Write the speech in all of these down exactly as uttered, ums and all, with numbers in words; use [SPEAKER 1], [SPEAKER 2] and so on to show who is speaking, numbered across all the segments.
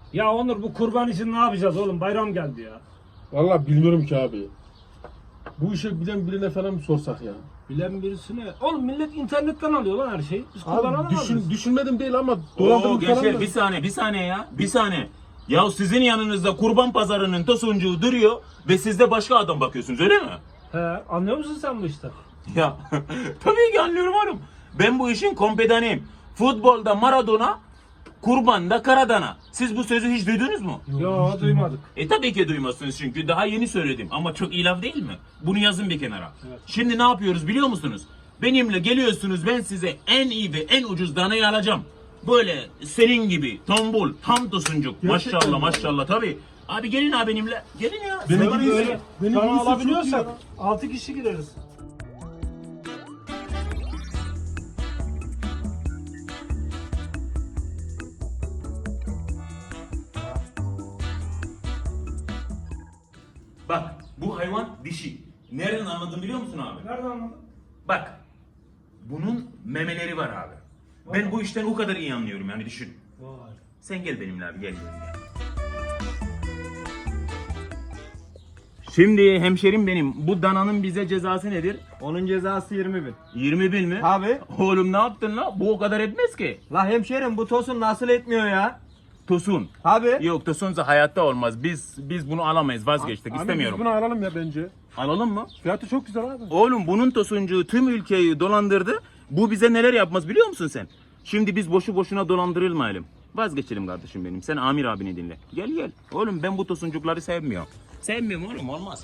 [SPEAKER 1] Ya Onur bu kurban için ne yapacağız oğlum? Bayram geldi ya.
[SPEAKER 2] Vallahi bilmiyorum ki abi. Bu işi bilen birine falan mı sorsak ya?
[SPEAKER 1] Bilen birisine. Oğlum millet internetten alıyor lan her şeyi. Biz kurban
[SPEAKER 2] Abi
[SPEAKER 1] alamaz
[SPEAKER 2] düşün,
[SPEAKER 1] mıyız?
[SPEAKER 2] düşünmedim değil ama
[SPEAKER 3] Oo
[SPEAKER 2] dolandırıp falan
[SPEAKER 3] gençler
[SPEAKER 2] da.
[SPEAKER 3] bir saniye bir saniye ya bir saniye. Ya sizin yanınızda kurban pazarının tosuncuğu duruyor ve siz de başka adam bakıyorsunuz öyle mi?
[SPEAKER 1] He, anlıyor musun sen bu işten?
[SPEAKER 3] Ya tabii ki anlıyorum oğlum. Ben bu işin kompedanıyım. Futbolda Maradona, kurbanda Karadana. Siz bu sözü hiç duydunuz mu?
[SPEAKER 1] Yo, duymadık.
[SPEAKER 3] E tabii ki duymazsınız çünkü daha yeni söyledim ama çok iyi laf değil mi? Bunu yazın bir kenara.
[SPEAKER 1] Evet.
[SPEAKER 3] Şimdi ne yapıyoruz biliyor musunuz? Benimle geliyorsunuz, ben size en iyi ve en ucuz danayı alacağım. Böyle senin gibi tombul, tam tosuncuk.
[SPEAKER 2] Gerçekten
[SPEAKER 3] Maşallah
[SPEAKER 2] mi?
[SPEAKER 3] maşallah tabii. Abi gelin abi benimle. Gelin ya.
[SPEAKER 2] Benim
[SPEAKER 3] Sen
[SPEAKER 2] gibi
[SPEAKER 3] bana-
[SPEAKER 2] öyle. Benim
[SPEAKER 1] Sana
[SPEAKER 2] gibi çok iyi
[SPEAKER 1] alabiliyorsak
[SPEAKER 2] ya.
[SPEAKER 1] altı kişi gireriz.
[SPEAKER 3] Bak bu hayvan dişi. Nereden anladın biliyor musun abi?
[SPEAKER 1] Nereden anladın?
[SPEAKER 3] Bak. Bunun memeleri var abi. Ben bu işten o kadar iyi anlıyorum yani düşün.
[SPEAKER 1] Vay.
[SPEAKER 3] Sen gel benimle abi gel. gel. Şimdi hemşerim benim bu dananın bize cezası nedir?
[SPEAKER 4] Onun cezası yirmi bin.
[SPEAKER 3] yirmi bin mi?
[SPEAKER 4] Abi.
[SPEAKER 3] Oğlum ne yaptın la? Bu o kadar etmez ki.
[SPEAKER 4] La hemşerim bu tosun nasıl etmiyor ya?
[SPEAKER 3] Tosun.
[SPEAKER 4] Abi.
[SPEAKER 3] Yok tosunsa hayatta olmaz. Biz biz bunu alamayız vazgeçtik
[SPEAKER 2] Abi
[SPEAKER 3] istemiyorum.
[SPEAKER 2] biz bunu alalım ya bence.
[SPEAKER 3] Alalım mı?
[SPEAKER 2] Fiyatı çok güzel abi.
[SPEAKER 3] Oğlum bunun tosuncuğu tüm ülkeyi dolandırdı. Bu bize neler yapmaz biliyor musun sen? Şimdi biz boşu boşuna dolandırılmayalım. Vazgeçelim kardeşim benim. Sen Amir abini dinle. Gel gel. Oğlum ben bu tosuncukları sevmiyorum. Sevmiyorum oğlum olmaz.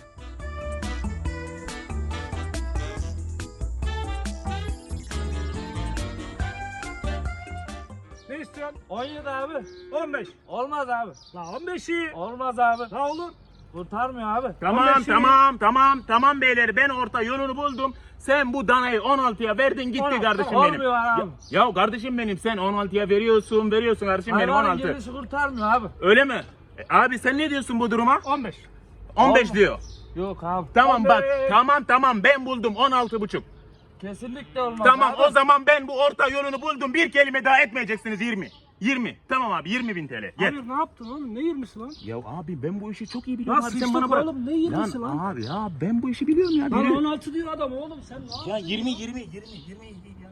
[SPEAKER 1] Ne istiyorsun? on yedi abi. on beş.
[SPEAKER 4] Olmaz abi.
[SPEAKER 1] La on beşi.
[SPEAKER 4] Olmaz abi.
[SPEAKER 1] La olur.
[SPEAKER 4] Kurtarmıyor abi.
[SPEAKER 3] Tamam
[SPEAKER 1] on beşi.
[SPEAKER 3] tamam tamam tamam beyler ben orta yolunu buldum. Sen bu danayı on altıya verdin gitti
[SPEAKER 1] on altı,
[SPEAKER 3] kardeşim
[SPEAKER 4] tamam.
[SPEAKER 3] benim.
[SPEAKER 4] Olmuyor abi.
[SPEAKER 3] Ya, ya kardeşim benim sen on altıya veriyorsun veriyorsun kardeşim benim on
[SPEAKER 4] Hayvanın
[SPEAKER 3] altı.
[SPEAKER 4] gelişi kurtarmıyor abi.
[SPEAKER 3] Öyle mi? E, abi sen ne diyorsun bu duruma?
[SPEAKER 1] on beş.
[SPEAKER 3] on beş
[SPEAKER 4] Olmaz.
[SPEAKER 3] diyor.
[SPEAKER 4] Yok abi.
[SPEAKER 3] Tamam
[SPEAKER 1] on
[SPEAKER 3] bak
[SPEAKER 1] beş.
[SPEAKER 3] tamam tamam ben buldum on altı buçuk.
[SPEAKER 4] Kesinlikle olmaz
[SPEAKER 3] Tamam
[SPEAKER 4] abi.
[SPEAKER 3] o zaman ben bu orta yolunu buldum bir kelime daha etmeyeceksiniz yirmi. yirmi tamam abi yirmi bin T L. Gel.
[SPEAKER 1] Abi ne yaptın oğlum? Ne yirmisi lan?
[SPEAKER 3] Ya abi ben bu işi çok iyi biliyorum
[SPEAKER 1] Lan
[SPEAKER 3] abi sen
[SPEAKER 1] sıçtık
[SPEAKER 3] bana bırak.
[SPEAKER 1] oğlum, ne yirmisi lan?
[SPEAKER 3] Abi ya ben bu işi biliyorum ya.
[SPEAKER 1] Lan
[SPEAKER 3] Yürü.
[SPEAKER 1] on altı diyor adam oğlum sen ne
[SPEAKER 3] Ya yirmi yirmi yirmi yirmi